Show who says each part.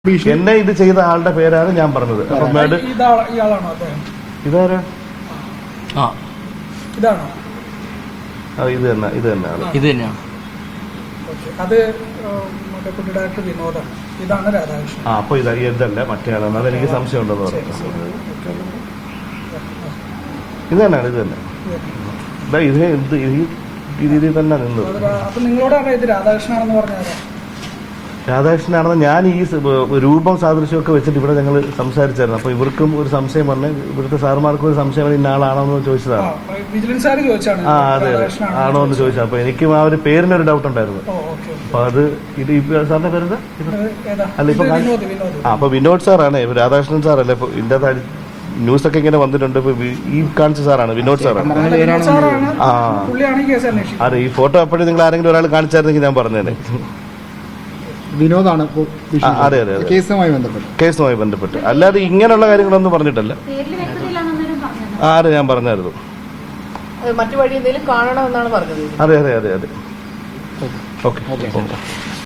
Speaker 1: എന്നെ ഇത് ചെയ്ത ആളുടെ പേരാണ് ഞാൻ പറഞ്ഞത്. അപ്പം ഇതാരാ? ഇത് തന്നെ ഇത് തന്നെയാണ്.
Speaker 2: ഇത് തന്നെയാണ്.
Speaker 3: അത് ഡയറക്ടർ വിനോദാണ്. ഇതാണ് രാധാകൃഷ്ണൻ.
Speaker 1: അപ്പൊ ഇതല്ല മറ്റേ ആളാണ്. അതെനിക്ക് സംശയം ഉണ്ടെന്ന് പറഞ്ഞു. ഇത് തന്നെയാണ്. ഇത് തന്നെ ഇത് ഈ രീതിയിൽ തന്നെ നിന്നത്.
Speaker 3: അപ്പൊ നിങ്ങളോടാണ് ഇത് രാധാകൃഷ്ണനാണെന്ന് പറഞ്ഞത്?
Speaker 1: രാധാകൃഷ്ണനാണെന്ന് ഞാൻ ഈ രൂപം സാദൃശ്യമൊക്കെ വെച്ചിട്ട് ഇവിടെ ഞങ്ങൾ സംസാരിച്ചായിരുന്നു. അപ്പൊ ഇവർക്കും ഒരു സംശയം പറഞ്ഞ് ഇവിടുത്തെ സാറുമാർക്കും ഒരു സംശയം പറഞ്ഞ് ഇന്ന ആളാണോ എന്ന് ചോദിച്ചതാണ്. അതെ ആണോ എന്ന് ചോദിച്ചത്. അപ്പൊ എനിക്കും ആ ഒരു പേരിനൊരു ഡൗട്ട് ഉണ്ടായിരുന്നു. അപ്പൊ അത് ഇത് സാറിന്റെ പേരെന്താ? അല്ല ഇപ്പൊ അപ്പൊ വിനോദ് സാറാണ്. രാധാകൃഷ്ണൻ സാറല്ലേ ഇപ്പൊ ഇതിന്റെ ന്യൂസൊക്കെ ഇങ്ങനെ വന്നിട്ടുണ്ട്. ഇപ്പൊ ഈ കാണിച്ച സാറാണ് വിനോദ് സാറാണ്. അതെ ഈ ഫോട്ടോ അപ്പോഴും നിങ്ങൾ ആരെങ്കിലും ഒരാൾ കാണിച്ചായിരുന്നെങ്കിൽ ഞാൻ പറഞ്ഞേനെ.
Speaker 4: വിനോദാണ്.
Speaker 1: അതെ അതെ അതെ കേസുമായി ബന്ധപ്പെട്ട് അല്ലാതെ ഇങ്ങനെയുള്ള കാര്യങ്ങളൊന്നും പറഞ്ഞിട്ടല്ല. അതെ ഞാൻ പറഞ്ഞായിരുന്നു.
Speaker 5: മറ്റു വഴി എന്തെങ്കിലും കാണണമെന്നാണ് പറഞ്ഞത്.
Speaker 1: അതെ അതെ അതെ അതെ. ഓക്കെ.